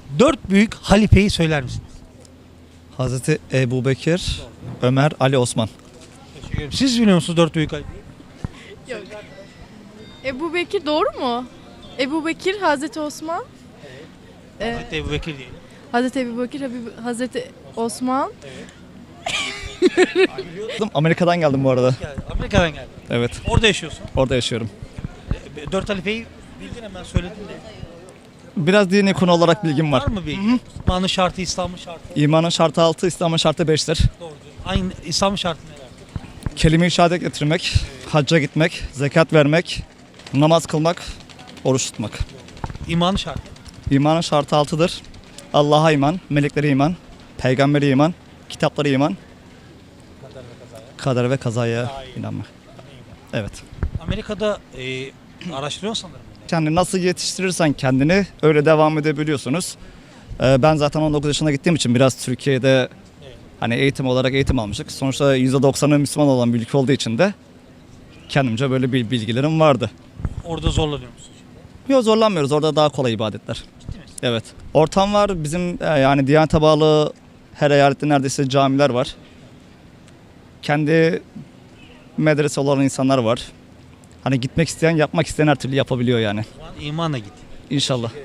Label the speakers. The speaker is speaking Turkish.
Speaker 1: Dört büyük halifeyi söyler misiniz?
Speaker 2: Hazreti Ebubekir, Ömer, Ali, Osman.
Speaker 1: Teşekkür ederim. Siz biliyor musunuz dört büyük halifeyi?
Speaker 3: Ebu Bekir doğru mu? Ebu Bekir, Hazreti Osman,
Speaker 1: Hazreti Ebubekir diyelim.
Speaker 3: Hazreti Ebu Bekir, Hazreti Osman.
Speaker 2: Amerika'dan geldim bu arada.
Speaker 1: Amerika'dan geldi.
Speaker 2: Evet,
Speaker 1: Orada yaşıyorsun.
Speaker 2: orada yaşıyorum.
Speaker 1: Dört halifeyi bildin, hemen söyledin de.
Speaker 2: Biraz dini konu olarak bilgim var.
Speaker 1: Var mı bir? İmanın şartı, İslam'ın şartı.
Speaker 2: İmanın şartı 6, İslam'ın şartı 5'tir.
Speaker 1: Doğru. Aynı İslam'ın şartı neler?
Speaker 2: Kelime-i şehadet getirmek, hacca gitmek, zekat vermek, namaz kılmak, oruç tutmak.
Speaker 1: İmanın şartı.
Speaker 2: İmanın şartı 6'dır. Allah'a iman, meleklere iman, peygambere iman, kitaplara iman, kader ve kazaya inanmak. Evet.
Speaker 1: Amerika'da araştırıyor sanırım.
Speaker 2: Yani nasıl yetiştirirsen kendini öyle devam edebiliyorsunuz. Ben zaten 19 yaşına gittiğim için biraz Türkiye'de hani eğitim olarak eğitim almıştık. Sonuçta %90'ı Müslüman olan bir ülke olduğu için de kendimce böyle bir bilgilerim vardı.
Speaker 1: Orada zorlanıyor musun?
Speaker 2: Yok, zorlanmıyoruz. Orada daha kolay ibadetler. Evet. Ortam var. Bizim yani Diyanet'e bağlı her eyalette neredeyse camiler var. Kendi medrese olan insanlar var. Hani gitmek isteyen, yapmak isteyen her türlü yapabiliyor yani.
Speaker 1: O zaman imanla git.
Speaker 2: İnşallah.